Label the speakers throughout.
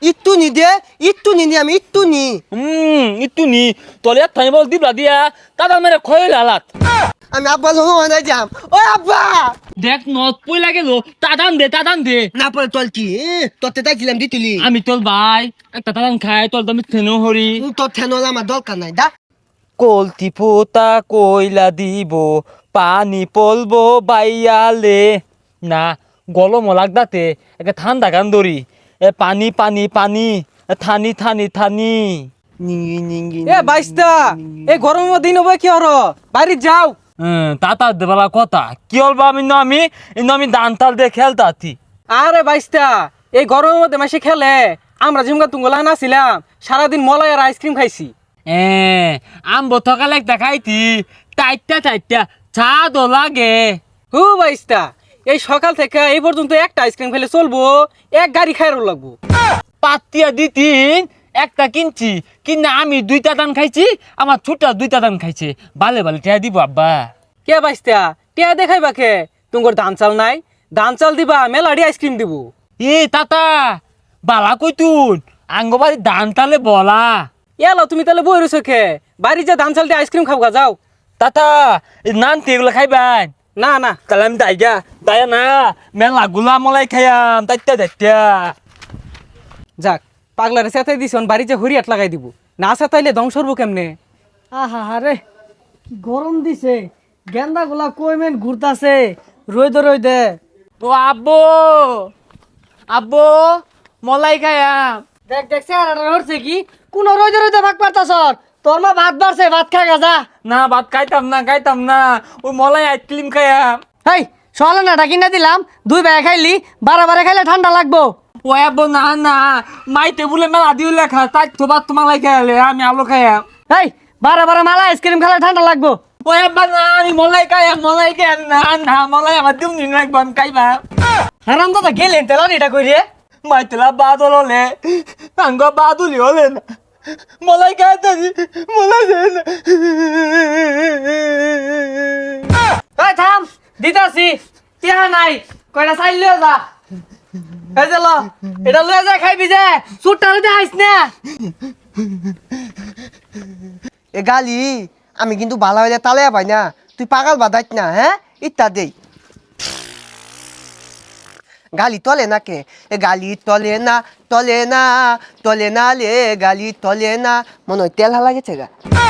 Speaker 1: ইট্টু নি দে ইট্টু নি আমি ইট্টু নি
Speaker 2: ইট্টু নি তলে থাই বল দিবলা দিয়া তাদার মেরে খয়ে লালাত
Speaker 1: আমি আব্বা লোক না যাম ও আব্বা
Speaker 2: দেখ নত পই লাগে লো তাদান দে
Speaker 1: না পরে তল কি তোতে তাইছিলাম দিতুলি
Speaker 2: আমি তোর ভাই একটা তাদান খাই তোর দামি থেনো হরি
Speaker 1: তোর ঠেনল আমার দরকার নাই দা
Speaker 2: কলতি পোতা কইলা দিব পানি পলবো বাইয়ালে না গলম লাগদাতে একটা ঠান্ডা গান ধরি পানি পানি পানি থানি থানি থানি
Speaker 1: নিঙ্গি নিঙ্গি
Speaker 3: এ বাইস্তা এই গরমের দিন হবে কি হর বাড়ি যাও
Speaker 2: তাতা দেবালা কথা কি হলবা আমি দান তাল দিয়ে খেলতাছি
Speaker 3: আরে বাইস্তা এই গরমের মধ্যে মাসে খেলে আমরা জিমগা তুঙ্গলা নাছিলাম সারাদিন মলাই আর আইসক্রিম খাইছি
Speaker 2: আম বথকালে একটা খাইতি টাইটটা চা দো লাগে
Speaker 3: হু বাইস্তা এই সকাল থেকে এই পর্যন্ত একটা আইসক্রিম খেলে চলবো এক গাড়ি খাইরও লাগবো
Speaker 2: পাতিয়া দিতিন একটা কিনছি কিনা আমি দুইটা দান খাইছি আমার ছোট দুইটা দান খাইছে বালে টিয়া দিব আব্বা
Speaker 3: কে বাইস্তা টিয়া দেখাই বাকে তুঙ্গর ধান চাল নাই ধান চাল দিবা মেলাডি আইসক্রিম দিব
Speaker 2: তাতা বালা কইতুন আঙ্গবাড়ি দান তালে বলা
Speaker 3: এলো তুমি তাহলে বই রয়েছো খে বাড়ি যা ধান চাল দিয়ে আইসক্রিম খাবো যাও
Speaker 2: তাতা নান এগুলো খাইবেন
Speaker 3: না না
Speaker 2: তাহলে আমি দায়া না মেলা গুলা মলাই খাইয়াম তাইত্যা
Speaker 3: যাক পাগলারে চেতাই দিছ বাড়ি যে হরিয়াট লাগাই দিব না চেতাইলে ধ্বংস হবো কেমনে
Speaker 4: আহা হারে কি গরম দিছে গেন্দা গুলা কইমেন ঘুরতাছে রই দে
Speaker 2: ও আব্বো মলাই খাইয়াম
Speaker 4: দেখ দেখ চেহারাটা হচ্ছে কি কোন রই দে ভাগ পারতাছ তোর মা ভাত বাড়ছে ভাত খা গাজা
Speaker 2: না ভাত খাইতাম না ওই মলাই আইসক্রিম খাইয়াম
Speaker 4: হেই সলে না কিনা দিলাম দুই বেলা খাইলি বারে খাইলে ঠান্ডা লাগবো
Speaker 2: ও আব্বো না মাই টেবুলে মেলা দিও লেখা তাই তো ভাত তো মালাই খাইলে আমি আলো খাইয়াম
Speaker 4: হেই বারে মালা আইসক্রিম খেলে ঠান্ডা লাগবো
Speaker 2: ও আব্বা না আমি মলাই খাইয়াম না মলাই আমার দিম নি লাগবো আমি খাইবা
Speaker 4: হারাম দাদা গেলেন তেলান এটা কই রে
Speaker 2: মাই তেলা বাদল হলে আঙ্গ বাদুলি হলে না মলাই খাইতাছি মলাই দেয় না
Speaker 4: এই থাম দিতাছি টিহা নাই কয়টা চাইল লিও যা এই যে ল এটা লয়ে যা খাইবি যে সুটটা লইতে আইস না
Speaker 1: এ গালি আমি কিন্তু ভালো হইলে তালে পাই না তুই পাগল বাদাইত না হ্যাঁ ইত্যা দেই গালি তলে না কে এ গালি তলে না লে গালি তলে না মনে হয় তেল হালা গেছে গা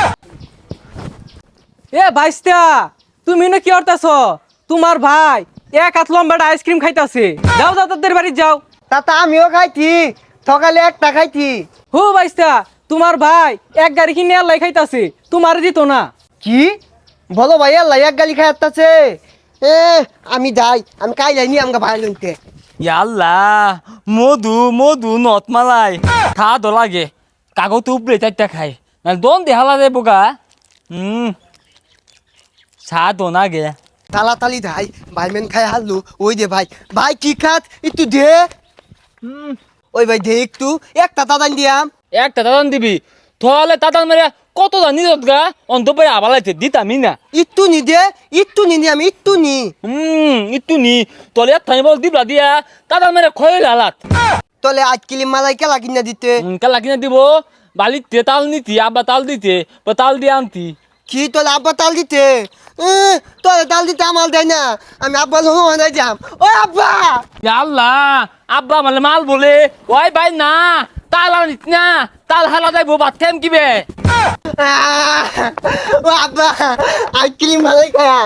Speaker 3: এ বাইস্তা তুমি না কি করতেছ তোমার ভাই এক হাত লম্বাটা আইসক্রিম খাইতাছে যাও তাদের বাড়ি যাও
Speaker 1: তাতা আমিও খাইছি সকালে একটা খাইছি
Speaker 3: হু বাইস্তা তোমার ভাই এক গাড়ি কিনে আল্লাহ খাইতাছে তোমার দিত না
Speaker 1: কি বলো ভাই আল্লাহ এক গালি খাই আসতেছে এ আমি যাই আমি কাইলাই নি আমাকে ভাই লইতে
Speaker 2: ইয়াল্লা মধু নত মালাই খা দো লাগে কাগজ উপরে চারটা খাই না দন দেহালা রে বোকা চা দো না গে
Speaker 1: তালি ভাই ভাই মেন খাই হারলু ওই দে ভাই ভাই কি খাত একটু দে ওই ভাই দে একটু একটা দাদান দিয়াম
Speaker 2: একটা দাদান দিবি তাহলে দাদান মেরে কত দান নিত গা অন্তপরে আবালাইতে দিতামি না
Speaker 1: একটু নি আমি একটু নি
Speaker 2: ইট্টু নি তলে থাই বল দিবলা দিয়া দাদান মেরে খয়ে লালাত
Speaker 1: তলে আজ কিলি মালাই কেলা কিনা দিতে
Speaker 2: কালা কিনা দিব বালিতে তাল নিতি আব্বা তাল দিতে বা তাল দিয়ে আনতি
Speaker 1: কি তলে আব্বা তাল দিতে তলে তাল দিতে আমার দেয় না আমি আব্বা লোক না যাম ও আব্বা
Speaker 2: আল্লাহ আব্বা মানে মাল বলে ওই ভাই না তাল আনিস না তাল হালা যাইব ভাত খাইম কিবে
Speaker 1: ও আব্বা আইসক্রিম মালাই খায়াম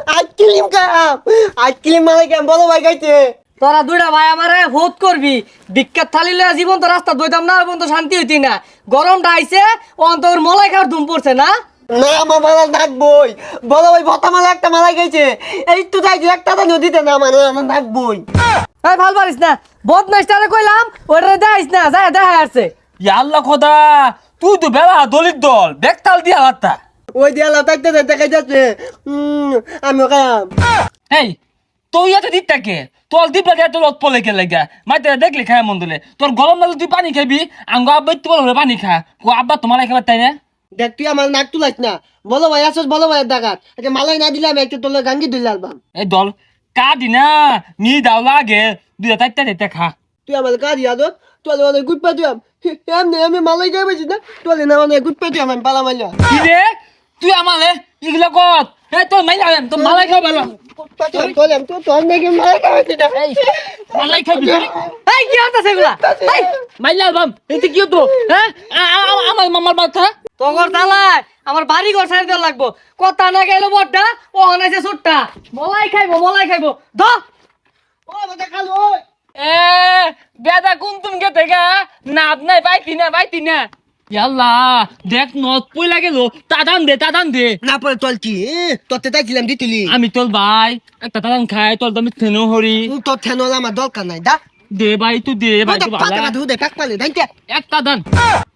Speaker 1: আইসক্রিম মালাই খায়াম বলো ভাই খাইতে
Speaker 4: তোরা দুইটা ভাই আমারে ভোট করবি বিখ্যাত থালি লয়ে জীবন তো রাস্তা দইতাম না এবং তো শান্তি হইতি না গরমটা আইছে অন্তর মলাই খাওয়ার ধুম পড়ছে না
Speaker 1: না আমার মালা ডাকবই বলো ভাই ভতা মালা একটা মালাই খাইছে এই তো তাই একটা তো নদীতে না মানে আমার ডাকবই
Speaker 4: এই ভাল পারিস না বদমাইশটারে কইলাম ওইটারে দেখাইস না যায় দেখা আসছে
Speaker 2: আল্লাহ খোদা তুই তো বেলা দলিত দল বেক তাল দিয়া হাতটা
Speaker 1: ওই দিয়ালা তাইতে দেখাই যাচ্ছে আমিও খায়াম
Speaker 2: এই তুই এত দিকটাকে তোর দিবলা দিয়ে তোর পলে কে লাগা মাইতে দেখলি খায় মন দিলে তোর গরম লাগলে তুই পানি খাবি আঙ্গ আব্বা একটু বলে পানি খা ও আব্বা তোমার খাবার তাই না
Speaker 1: দেখ তুই আমার নাক তুলাইস না বলো ভাই আসছ বলো ভাই ডাকাত আচ্ছা মালাই না দিলাম একটু তোলে গাঙ্গি দিলে আলবাম
Speaker 2: এই দল কাদি না নি দাও লাগে দুইটা চারটা চারটা খা
Speaker 1: তুই আমার কাজ আদত তোলে অনেক গুড পাতুয়াম এমনি আমি মালাই গায়ে বেছি না তোলে না অনেক গুড পাতুয়াম আমি পালা মাইলা
Speaker 2: কি রে তুই আমালে এগুলো কত এ তোর মাইলা তো মালাই খাও ভালো
Speaker 1: পাতুয়াম তোলে তো তোর নাকি মালাই গায়ে বেছি না
Speaker 2: এই মালাই খাবি
Speaker 4: এই কি হতাছে এগুলা এই
Speaker 2: মাইলা বাম এতে কি হতো হ্যাঁ আমার মামার বাচ্চা
Speaker 4: তগর তালাই আমার বাড়ি ঘর সাইড দেওয়া লাগবো কথা না গেল বড়টা ও হনাইছে ছোটটা মলাই খাইবো ধ
Speaker 1: ও বাবা খালো
Speaker 2: এ বেদা কোন তুমি কে থেকে নাপ নাই পাইতি না ইয়াল্লা দেখ নদ পইলা গেল তাদান দে
Speaker 1: না পরে তোল কি তোতে তাইছিলাম দিতুলি
Speaker 2: আমি তোর ভাই একটা তাদান খাই তোর দামি থেনো হরি
Speaker 1: তোর থেনল আমার দরকার নাই দা
Speaker 2: দে ভাই তুই দে ভাই তুই ভালো
Speaker 1: পাতা দে কাক পালে দাইতে
Speaker 2: একটা দান